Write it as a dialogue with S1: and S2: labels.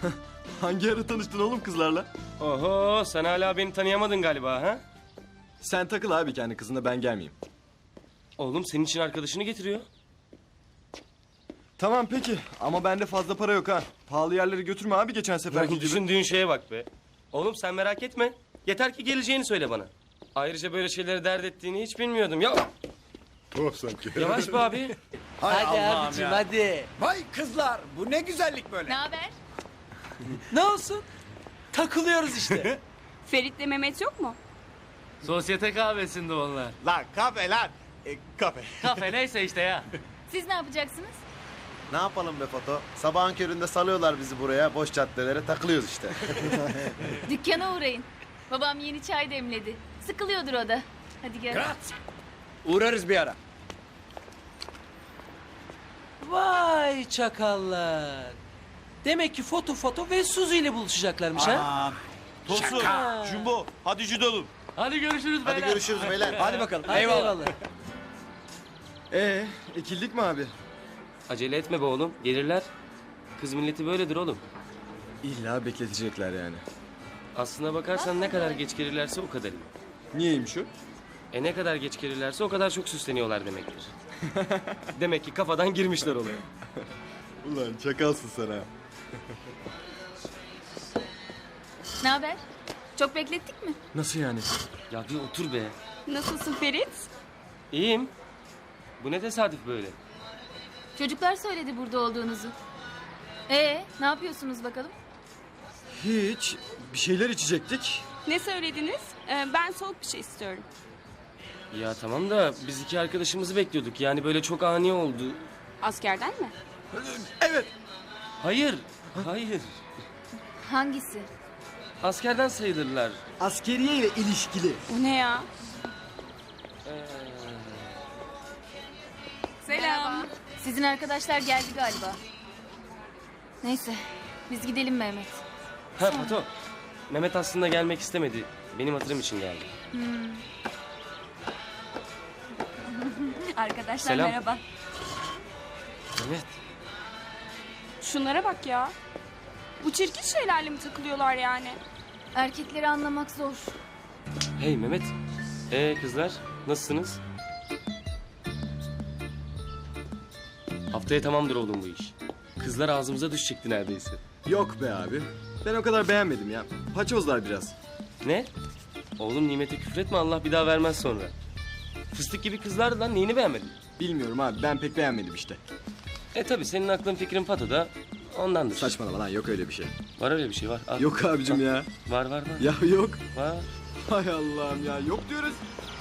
S1: Hangi ara tanıştın oğlum kızlarla?
S2: Oho, sen hala beni tanıyamadın galiba ha?
S1: Sen takıl abi kendi kızına, ben gelmeyeyim.
S2: Oğlum senin için arkadaşını getiriyor.
S1: Tamam peki ama bende fazla para yok ha. Pahalı yerlere götürme abi geçen seferki
S2: Oğlum
S1: gibi.
S2: düşündüğün şeye bak be. Oğlum sen merak etme. Yeter ki geleceğini söyle bana. Ayrıca böyle şeyleri dert ettiğini hiç bilmiyordum. Ya
S3: Tuhaf sanki.
S2: yavaş be abi.
S4: Hadi abicim hadi.
S5: Vay kızlar, bu ne güzellik böyle.
S6: Ne haber?
S4: Ne olsun? Takılıyoruz işte.
S6: Ferit'le Mehmet yok mu?
S7: Sosyete kahvesinde onlar.
S5: Lan kafe lan. Kafe.
S7: Kafe neyse işte ya.
S6: Siz ne yapacaksınız?
S3: Ne yapalım be Foto? Sabahın köründe salıyorlar bizi buraya. Boş caddelere takılıyoruz işte.
S6: Dükkana uğrayın. Babam yeni çay demledi. Sıkılıyordur o da. Hadi gel.
S5: Uğrarız bir ara.
S4: Vay çakallar. Demek ki foto ve Suzi ile buluşacaklarmış ha?
S5: Tosun, Jumbo, hadi judoğum.
S7: Hadi görüşürüz beyler.
S3: Hadi görüşürüz beyler.
S5: Hadi bakalım.
S4: Hadi eyvallah.
S1: Ekildik mi abi?
S2: Acele etme be oğlum. Gelirler. Kız milleti böyledir oğlum.
S1: İlla bekletecekler yani.
S2: Aslına bakarsan ne kadar geç gelirlerse o kadar iyi.
S1: Niyeymiş o?
S2: Ne kadar geç gelirlerse o kadar çok süsleniyorlar demektir. Demek ki kafadan girmişler olaya.
S1: Ulan çakalsın sen ha.
S6: Ne haber? Çok beklettik mi?
S1: Nasıl yani?
S2: Ya bir otur be.
S6: Nasılsın Ferit?
S2: İyiyim. Bu ne tesadüf böyle?
S6: Çocuklar söyledi burada olduğunuzu. Ne yapıyorsunuz bakalım?
S1: Hiç. Bir şeyler içecektik.
S8: Ne söylediniz? Ben soğuk bir şey istiyorum.
S2: Ya tamam da biz iki arkadaşımızı bekliyorduk. Yani böyle çok ani oldu.
S8: Askerden mi?
S2: Hayır. Hayır.
S6: Hangisi?
S2: Askerden sayılırlar.
S1: Askeriye ile ilişkili.
S8: Bu ne ya?
S6: Selam. Sizin arkadaşlar geldi galiba. Neyse, biz gidelim Mehmet.
S2: Ha Pato. Mehmet aslında gelmek istemedi. Benim hatırım için geldi.
S8: Arkadaşlar
S2: Selam.
S8: merhaba.
S2: Mehmet.
S8: Şunlara bak ya. Bu çirkin şeylerle mi takılıyorlar yani?
S6: Erkekleri anlamak zor.
S2: Hey Mehmet. Kızlar nasılsınız? Haftaya tamamdır oğlum bu iş. Kızlar ağzımıza düşecekti neredeyse.
S1: Yok be abi. Ben o kadar beğenmedim ya. Paçozlar biraz.
S2: Ne? Oğlum nimete küfretme, Allah bir daha vermez sonra. Fıstık gibi kızlardı lan, neyini beğenmedin?
S1: Bilmiyorum abi, ben pek beğenmedim işte.
S2: Tabi senin aklın fikrin Pato'da ondandır.
S1: Saçmalama lan, yok öyle bir şey.
S2: Var öyle bir şey var. Al.
S1: Yok abicim ya.
S2: Var.
S1: Ya yok.
S2: Var.
S1: Hay Allah'ım ya, yok diyoruz.